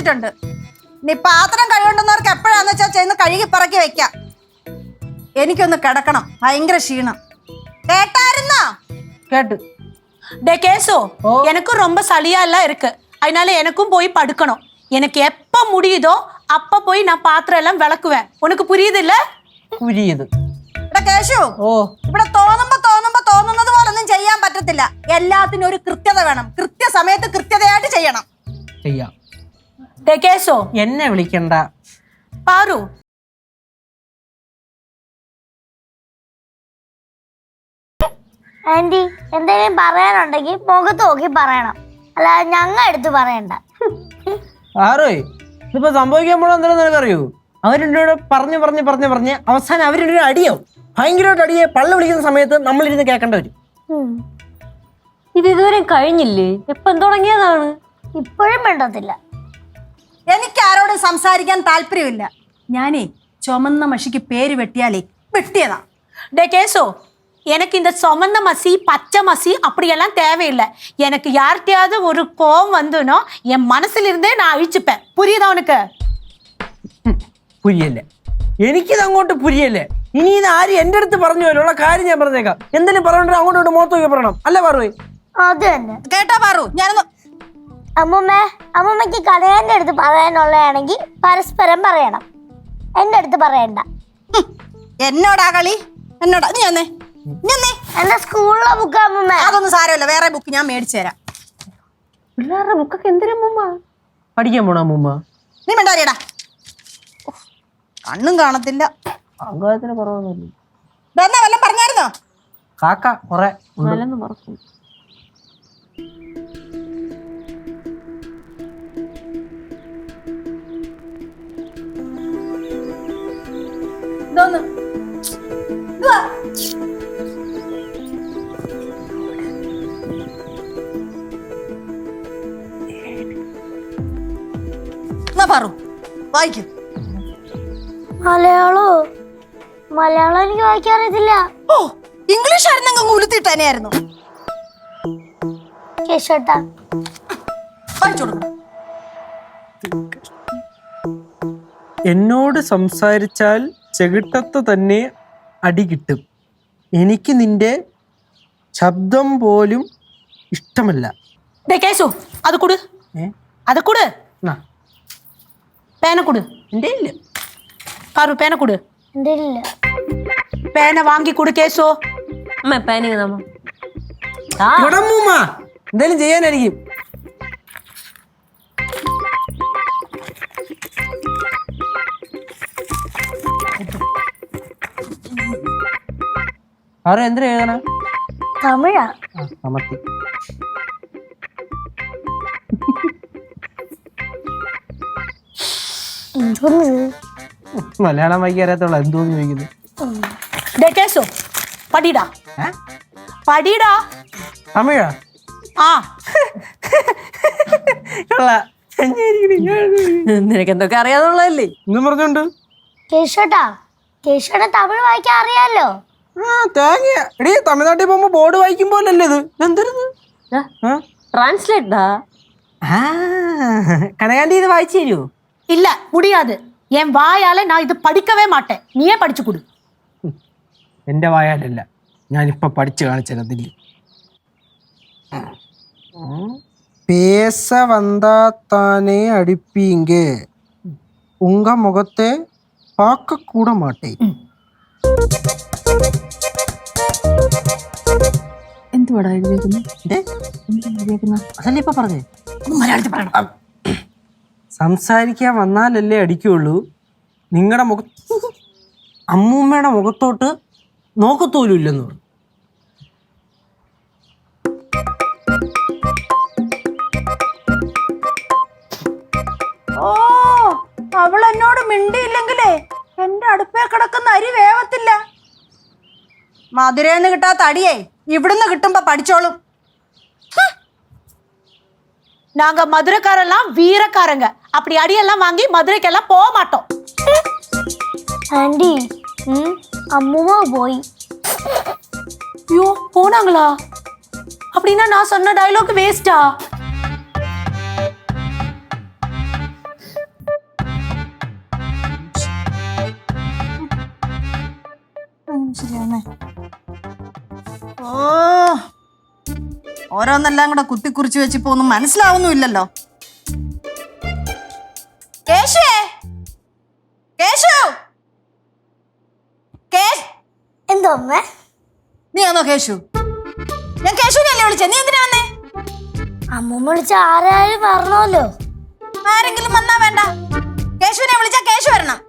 വെച്ചിട്ടുണ്ട്. നീ പാത്രം കഴുകേണ്ടുന്നവർക്ക് എപ്പോഴാന്ന് വെച്ചാൽ ചെന്ന് കഴുകി പറക്കി വെക്കാം. എനിക്കൊന്ന് കിടക്കണം, ഭയങ്കര ക്ഷീണം. കേട്ടായിരുന്നോ? கேட்டு டே கேசோ, எனக்கும் ரொம்ப சளியா எல்லாம் இருக்கு. அதனால எனக்கும் போய் படுக்கணும். எனக்கு எப்ப முடியுதோ அப்ப போய் நான் பாத்திரம் எல்லாம் விளக்குவேன். உனக்கு புரியுது இல்ல? புரியுது. കേശു, ഇവിടെ തോന്നുന്നത് പോലൊന്നും ചെയ്യാൻ പറ്റത്തില്ല. എല്ലാത്തിനും ഒരു കൃത്യത വേണം. കൃത്യസമയത്ത് കൃത്യതയായിട്ട് ചെയ്യണം. ചെയ്യാം. டே கேசோ, എന്നെ വിളിക്കണ്ട. பாரு, ആന്റി എന്തെങ്കിലും പറയാനുണ്ടെങ്കിൽ മുഖത്ത് നോക്കി പറയണം, അല്ലാതെ ഞങ്ങൾ എടുത്ത് പറയണ്ട. ആരോയ് ഇതിപ്പോ സംഭവിക്കാൻ പോണോ എന്തായാലും നിനക്കറിയൂ? അവരുടെ പറഞ്ഞ് അവസാനം അവരുടെ അടിയാവും. ഭയങ്കരമായിട്ട് അടിയെ പള്ള വിളിക്കുന്ന സമയത്ത് നമ്മളിരുന്ന് കേൾക്കേണ്ട വരും. ഇത് ഇതുവരെ കഴിഞ്ഞില്ലേ? എപ്പം തുടങ്ങിയതാണ്? ഇപ്പോഴും വേണ്ടത്തില്ല. എനിക്ക് ആരോടും സംസാരിക്കാൻ താല്പര്യമില്ല. ഞാനേ ചുമന്ന മഷിക്ക് പേര് വെട്ടിയാലേ വെട്ടിയതാ. டே கேசோ, எனக்கு இந்த சொமந்த மசி பச்சை மசி அப்படியெல்லாம் தேவையில்லை. எனக்கு யார்கிட்டயாவது ஒரு கோவம் வந்துனோ என் மனசுல இருந்தே நான் அழிச்சுப்பேன். புரியுதா உனக்கு? പുരിയല്ലേ? എനിക്കിത് അങ്ങോട്ട് പുരിയല്ലേ? ഇനി ഇത് ആര് എന്റെ അടുത്ത് പറഞ്ഞു പോലുള്ള കാര്യം ഞാൻ പറഞ്ഞേക്കാം. എന്തെങ്കിലും പറഞ്ഞിട്ട് അങ്ങോട്ട് മുഖത്ത് നോക്കി പറയണം, അല്ലേ പറവേ? അത് തന്നെ കേട്ടാ പാറു. ഞാനൊന്ന് അമ്മൂമ്മക്ക് കടയാന്റെ അടുത്ത് പറയാനുള്ളതാണെങ്കിൽ പരസ്പരം പറയണം, എന്റെ അടുത്ത് പറയണ്ട. എന്നോടാ കളി? എന്നോടാ? നീ വന്നേ. എന്റെ സ്കൂളിലെ ബുക്ക് അമ്മൂമ്മ. അതൊന്നും സാരമില്ല, വേറെ ബുക്ക് ഞാൻ മേടിച്ചു തരാം. പിള്ളേരുടെ ബുക്കൊക്കെ എന്തിനാ മുമ്മ പഠിക്കാൻ പോണ മുമ്മ? നീ മിണ്ടാരിയടാ, കണ്ണും കാണത്തില്ല. അംഗത്തിന് കുറവൊന്നുമില്ല. ഇതെന്നാ വല്ലതും പറഞ്ഞായിരുന്നോ? കാക്ക കൊറേ നല്ലെന്ന് മറക്കും. ഇതൊന്ന് ഇതുവാ. എന്നാ പാറു വായിക്കും. മലയാളം എനിക്ക് വായിക്കാൻ അറിയത്തില്ല. ഓ, ഇംഗ്ലീഷ് ആയിരുന്നെങ്കിൽ ഉലുത്തിട്ട് തന്നെയായിരുന്നു. കേശോട്ടാ വായിച്ചു കൊടുക്കും. എന്നോട് സംസാരിച്ചാൽ ചെകിട്ടത്ത് തന്നെ അടി കിട്ടും. എനിക്ക് നിന്റെ ശബ്ദം പോലും ഇഷ്ടമല്ല. டே கேசோ, அது கொடு. அது கொடு. பேனை கொடு. എൻ്റെ ഇല്ല. பாரு, பேனை கொடு. എന്റെ ഇല്ല. பேனை வாங்கி கொடு கேசோ. അമ്മ പാനിങ് നമ്മ എന്തായാലും ചെയ്യാനായിരിക്കും. ആരോ എന്തിനാ എഴുതണ? തമിഴാ. സമത്തി. മലയാളം വായിക്കാൻ അറിയാത്തുള്ള എന്തോന്ന് ചോദിക്കുന്നു. டே கேசோ, படிடா. படிடா. തമിഴാ? ആ. നിനക്ക് എന്തൊക്കെ അറിയാതുള്ളതല്ലേ? എന്നും പറഞ്ഞോണ്ട് കേശോട്ടാ തമിഴ് വായിക്കാൻ അറിയാലോ. തേങ്ങ എടീ, തമിഴ്നാട്ടിൽ പോകുമ്പോ ബോർഡ് വായിക്കുമ്പോലല്ലേ ഇത്? എന്തിരുന്ന് ട്രാൻസ്ലേറ്റാ? കനകാന്റി ഇത് വായിച്ചു തരുമോ? இல்ல, முடியாது. என் வாயால நான் இது படிக்கவே மாட்டேன். நீயே படிச்சு கொடு. എന്റെ വായാലല്ല, ഞാനിപ്പൊ പഠിച്ചു കാണിച്ചതില്ല. പേസ വந்தாத்தானே அடிப்பீங்க, உங்க முகத்தை பார்க்க கூட மாட்டேன். എന്തുവാടാ എഴുതിയേക്കുന്നത്? അതല്ലേ ഇപ്പൊ പറഞ്ഞേ? മലയാളത്തിൽ പറയണം. സംസാരിക്കാൻ വന്നാലല്ലേ അടിക്കുള്ളൂ. നിങ്ങളുടെ അമ്മൂമ്മയുടെ മുഖത്തോട്ട് നോക്കത്തോലും ഇല്ലെന്ന് പറഞ്ഞു. ഓ, അവൾ എന്നോട് മിണ്ടിയില്ലെങ്കിലേ എന്റെ അടുപ്പേ കിടക്കുന്ന അരി വേവത്തില്ല. മധുരേന്ന് കിട്ടാത്ത അടിയേ ഇവിടുന്ന് കിട്ടുമ്പോ പഠിച്ചോളും. நாங்க மதுரைக்காரெல்லாம் வீரக்காரங்க. அப்படி அடியெல்லாம் வாங்கி மதுரைக்கெல்லாம் போக மாட்டோம். ஆண்டி, அம்முமா போய். ஐயோ, போனாங்களா? அப்படின்னா நான் சொன்ன டயலாக் வேஸ்டா? ശരിയാണേ. ഓ, ഓരോന്നെല്ലാം കൂടെ കുത്തിക്കുറിച്ച് വെച്ചിപ്പോ ഒന്നും മനസ്സിലാവുന്നുമില്ലല്ലോ. കേശുവേ, കേശു, എന്തോ അമ്മേ? നീ ആണോ കേശു? ഞാൻ കേശുവിനല്ലേ വിളിച്ചേ, നീ എന്തിനാ വന്നേ? അമ്മൂമ്മ വിളിച്ച ആരായാലും പറഞ്ഞല്ലോ. ആരെങ്കിലും വന്നാ വേണ്ട, കേശുവിനെ വിളിച്ചാ കേശു വരണം.